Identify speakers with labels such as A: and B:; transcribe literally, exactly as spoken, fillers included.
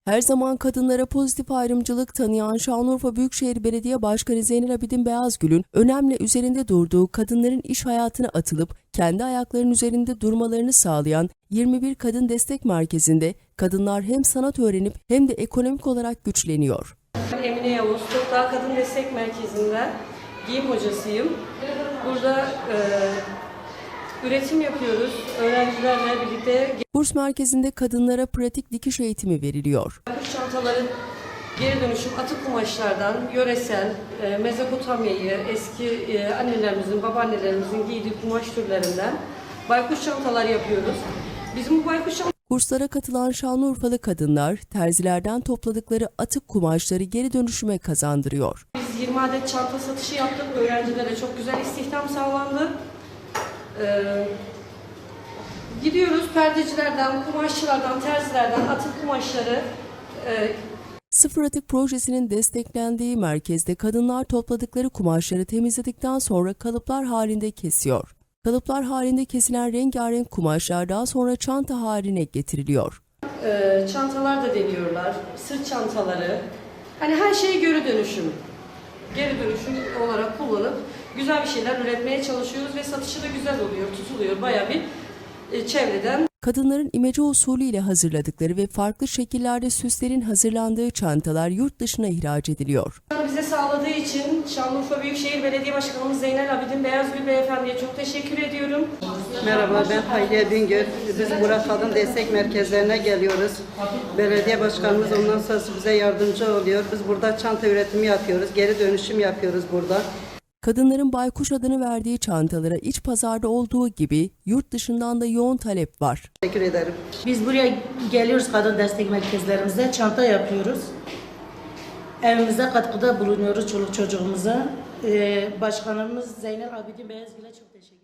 A: Her zaman kadınlara pozitif ayrımcılık tanıyan Şanlıurfa Büyükşehir Belediye Başkanı Zeynel Abidin Beyazgül'ün önemli üzerinde durduğu kadınların iş hayatına atılıp kendi ayaklarının üzerinde durmalarını sağlayan yirmi bir Kadın Destek Merkezi'nde kadınlar hem sanat öğrenip hem de ekonomik olarak güçleniyor.
B: Emine Yavuz, Toprağı Kadın Destek Merkezi'nde giyim hocasıyım. Burada e, üretim yapıyoruz öğrencilerle birlikte.
A: Kurs merkezinde kadınlara pratik dikiş eğitimi veriliyor.
B: Kuş çantaların geri dönüşüm atık kumaşlardan yöresel, e, Mezopotamya'yı, eski e, annelerimizin, babaannelerimizin giydiği kumaş türlerinden baykuş çantalar yapıyoruz. Bizim bu baykuş çantalar
A: Kurslara katılan Şanlıurfalı kadınlar terzilerden topladıkları atık kumaşları geri dönüşüme kazandırıyor.
B: Biz yirmi adet çanta satışı yaptık. Öğrencilere çok güzel istihdam sağlandı. Ee, gidiyoruz perdecilerden, kumaşçılardan, terzilerden atık kumaşları e,
A: Sıfır Atık Projesi'nin desteklendiği merkezde kadınlar topladıkları kumaşları temizledikten sonra kalıplar halinde kesiyor. Kalıplar halinde kesilen rengarenk kumaşlar daha sonra çanta haline getiriliyor.
B: e, çantalar da deniyorlar. Sırt çantaları. Hani her şeyi geri dönüşüm. Geri dönüşüm olarak kullanıp güzel bir şeyler üretmeye çalışıyoruz ve satışı da güzel oluyor, tutuluyor. Bayağı bir e, çevreden.
A: Kadınların imece usulü ile hazırladıkları ve farklı şekillerde süslerin hazırlandığı çantalar yurt dışına ihraç ediliyor.
B: Bize sağladığı için Şanlıurfa Büyükşehir Belediye Başkanımız Zeynel Abidin Beyazgül Beyefendi'ye çok teşekkür ediyorum.
C: Merhaba, ben Hayriye Bingöl. Biz Burak Kadın Destek Merkezlerine geliyoruz. Belediye başkanımız ondan sonra bize yardımcı oluyor. Biz burada çanta üretimi yapıyoruz, geri dönüşüm yapıyoruz burada.
A: Kadınların baykuş adını verdiği çantalara iç pazarda olduğu gibi yurt dışından da yoğun talep var.
C: Teşekkür ederim.
D: Biz buraya geliyoruz kadın destek merkezlerimize, çanta yapıyoruz. Evimize katkıda bulunuyoruz çoluk çocuğumuza. Ee, Başkanımız Zeynel Abidin Beyazgül'e çok teşekkür ederim.